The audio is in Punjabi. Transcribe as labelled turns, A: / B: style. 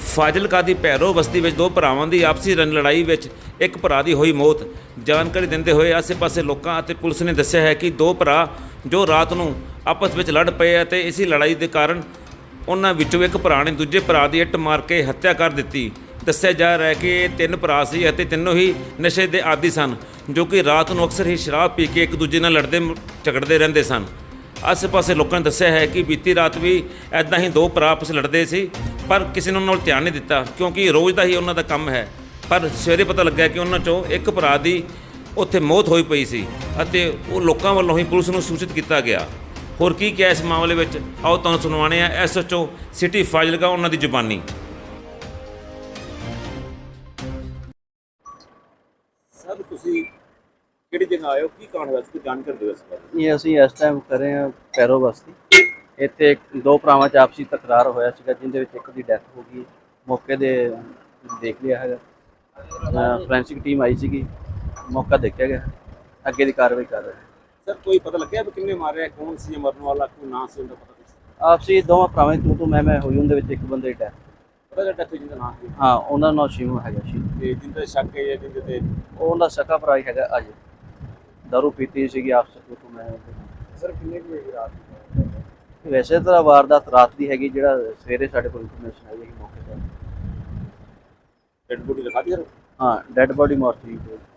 A: ਫਾਜ਼ਿਲਕਾ ਦੀ ਭੈਰੋ ਬਸਤੀ ਵਿੱਚ ਦੋ ਭਰਾਵਾਂ ਦੀ ਆਪਸੀ ਲੜਾਈ ਵਿੱਚ ਇੱਕ ਭਰਾ ਦੀ ਹੋਈ ਮੌਤ। ਜਾਣਕਾਰੀ ਦਿੰਦੇ ਹੋਏ ਆਸੇ-ਪਾਸੇ ਲੋਕਾਂ ਅਤੇ ਪੁਲਿਸ ਨੇ ਦੱਸਿਆ ਹੈ ਕਿ ਦੋ ਭਰਾ ਜੋ ਰਾਤ ਨੂੰ ਆਪਸ ਵਿੱਚ ਲੜ ਪਏ ਅਤੇ ਇਸੇ ਲੜਾਈ ਦੇ ਕਾਰਨ ਉਹਨਾਂ ਵਿੱਚੋਂ ਇੱਕ ਭਰਾ ਨੇ ਦੂਜੇ ਭਰਾ ਦੀ ਇੱਟ ਮਾਰ ਕੇ ਹੱਤਿਆ ਕਰ ਦਿੱਤੀ। ਦੱਸਿਆ ਜਾ ਰਿਹਾ ਹੈ ਕਿ ਇਹ ਤਿੰਨ ਭਰਾ ਸੀ ਅਤੇ ਤਿੰਨੋਂ ਹੀ ਨਸ਼ੇ ਦੇ ਆਦੀ ਸਨ, ਜੋ ਕਿ ਰਾਤ ਨੂੰ ਅਕਸਰ ਹੀ ਸ਼ਰਾਬ ਪੀ ਕੇ ਇੱਕ ਦੂਜੇ ਨਾਲ ਲੜਦੇ ਝਗੜਦੇ ਰਹਿੰਦੇ ਸਨ। ਆਸੇ-ਪਾਸੇ ਲੋਕਾਂ ਨੇ ਦੱਸਿਆ ਹੈ ਕਿ ਬੀਤੀ ਰਾਤ ਵੀ ਐਦਾਂ ਹੀ ਦੋ ਭਰਾ ਆਪਸ ਲੜਦੇ ਸੀ, ਪਰ ਕਿਸੇ ਨੇ ਉਹਨਾਂ ਨਾਲ ਧਿਆਨ ਨਹੀਂ ਦਿੱਤਾ ਕਿਉਂਕਿ ਰੋਜ਼ ਦਾ ਹੀ ਉਹਨਾਂ ਦਾ ਕੰਮ ਹੈ। ਪਰ ਸਵੇਰੇ ਪਤਾ ਲੱਗਾ ਕਿ ਉਹਨਾਂ 'ਚੋਂ ਇੱਕ ਭਰਾ ਦੀ ਉੱਥੇ ਮੌਤ ਹੋਈ ਪਈ ਸੀ ਅਤੇ ਉਹ ਲੋਕਾਂ ਵੱਲੋਂ ਹੀ ਪੁਲਿਸ ਨੂੰ ਸੂਚਿਤ ਕੀਤਾ ਗਿਆ। ਹੋਰ ਕੀ ਕਿਹਾ ਇਸ ਮਾਮਲੇ ਵਿੱਚ, ਆਓ ਤੁਹਾਨੂੰ ਸੁਣਵਾਉਂਦੇ ਹਾਂ ਐਸਐਚਓ ਸਿਟੀ ਫਾਜ਼ਿਲਕਾ ਉਹਨਾਂ ਦੀ ਜ਼ੁਬਾਨੀ। ਸਰ ਤੁਸੀਂ ਕਿਹੜੀ ਜਗ੍ਹਾ ਆਏ ਹੋ, ਕੀ ਕਾਰਨ ਹੈ, ਕੋਈ ਜਾਣਕਾਰੀ ਦਿਓ ਇਸ ਬਾਰੇ।
B: ਇਹ ਅਸੀਂ ਇਸ ਟਾਈਮ ਕਰ ਰਹੇ ਹਾਂ ਭੈਰੋ ਬਸਤੀ। ਇੱਥੇ ਦੋ ਭਰਾਵਾਂ 'ਚ ਆਪਸੀ ਤਕਰਾਰ ਹੋਇਆ ਸੀਗਾ, ਜਿਹਦੇ ਵਿੱਚ ਇੱਕ ਦੀ ਡੈਥ ਹੋ ਗਈ। ਮੌਕੇ ਦੇ ਦੇਖ ਲਿਆ ਹੈਗਾ, ਫੋਰੈਂਸਿਕ ਟੀਮ ਆਈ ਸੀਗੀ, ਮੌਕਾ ਦੇਖਿਆ ਗਿਆ, ਅੱਗੇ ਦੀ ਕਾਰਵਾਈ ਕਰ ਰਹੇ।
A: ਸਰ ਕੋਈ ਪਤਾ ਲੱਗਿਆ ਵੀ ਕਿੰਨੇ ਮਾਰਿਆ, ਕੌਣ ਸੀ ਮਰਨ ਵਾਲਾ, ਕੋਈ ਨਾਂ ਸੀ ਉਹਦਾ, ਪਤਾ ਕੁਛ?
B: ਆਪਸੀ ਦੋਵਾਂ ਭਰਾਵਾਂ ਦੀ ਤੂੰ ਮੈਂ ਹੋਈ, ਉਹਦੇ ਵਿੱਚ ਇੱਕ ਬੰਦੇ ਦੀ ਡੈਥ।
A: ਪਤਾ ਡੈਥ ਹੋਈ ਜਿਹਦਾ ਨਾਂ ਸੀ?
B: ਹਾਂ, ਉਹਨਾਂ ਦਾ ਨਾਂ ਸ਼ਿਵ ਹੈਗਾ। ਸ਼ਿਵ
A: ਤੇ ਜਿੰਦਾ ਸ਼ੱਕ ਹੈ ਜਿਹਦੇ ਤੇ
B: ਉਹਦਾ ਸਕਾ ਭਰਾ ਹੀ ਹੈਗਾ। ਅੱਜ ਦਾਰੂ ਪੀਤੀ ਸੀਗੀ ਆਪਸ ਵਿੱਚ ਤੂੰ ਮੈਂ।
A: ਸਰ ਕਿੰਨੇ ਕੁ ਵਜੇ ਰਾਤ?
B: ਵੈਸੇ ਤਾਂ ਵਾਰਦਾਤ ਰਾਤ ਦੀ ਹੈਗੀ, ਜਿਹੜਾ ਸਵੇਰੇ ਸਾਡੇ ਕੋਲ ਇਨਫੋਰਮੇਸ਼ਨ ਆਈ ਹੈ ਮੌਕੇ ਤੇ।
A: ਡੈਡ ਬੋਡੀ ਦਿਖਾ ਦਿੱਤੀ ਸਰ?
B: ਹਾਂ, ਡੈਡ ਬੋਡੀ ਮੋਰਚਰੀ